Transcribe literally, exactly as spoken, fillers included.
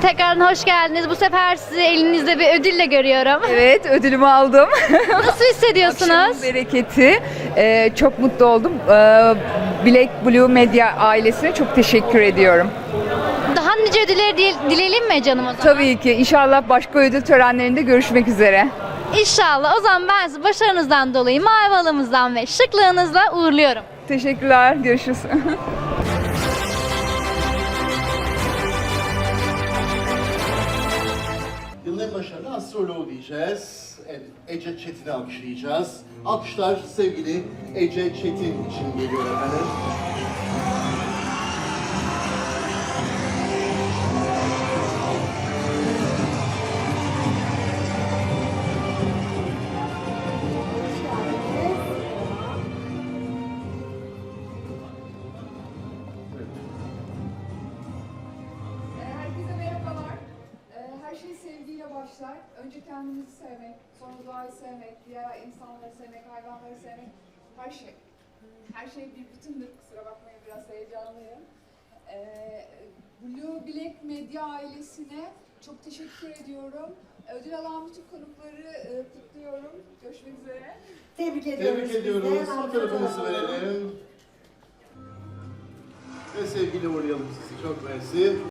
tekrardan hoş geldiniz. Bu sefer sizi elinizde bir ödülle görüyorum. Evet, ödülümü aldım. Nasıl hissediyorsunuz? Akşamın bereketi. Ee, çok mutlu oldum. Ee, Black Blue Medya ailesine çok teşekkür ediyorum. Daha nice ödüller dile- dileyelim mi canım o zaman? Tabii ki. İnşallah başka ödül törenlerinde görüşmek üzere. İnşallah. O zaman ben sizi başarınızdan dolayı mavi halımızdan ve şıklığınızla uğurluyorum. Teşekkürler. Görüşürüz. Yılın en başarılı astroloğu diyeceğiz. Evet, Ece Çetin'i alkışlayacağız. Alkışlar sevgili Ece Çetin için geliyor efendim. Herkese merhabalar. Ee, Her şey sevgiyle başlar. Önce kendimizi sevmek, sonra doğayı sevmek, diğer insanları sevmek, hayvanları sevmek, her şey. Her şey bir bütündür. Kusura bakmayın, biraz heyecanlıyım. Ee, Blue Black Medya ailesine çok teşekkür ediyorum. Ödül alan bütün konukları e, kutluyorum. Görüşmek üzere. Tebrik ediyoruz. Tebrik biz de. ediyoruz. Harika Fotoğrafınızı fotoğraf. verelim. Ve sevgili uğurlayalım sizi. Çok mersi.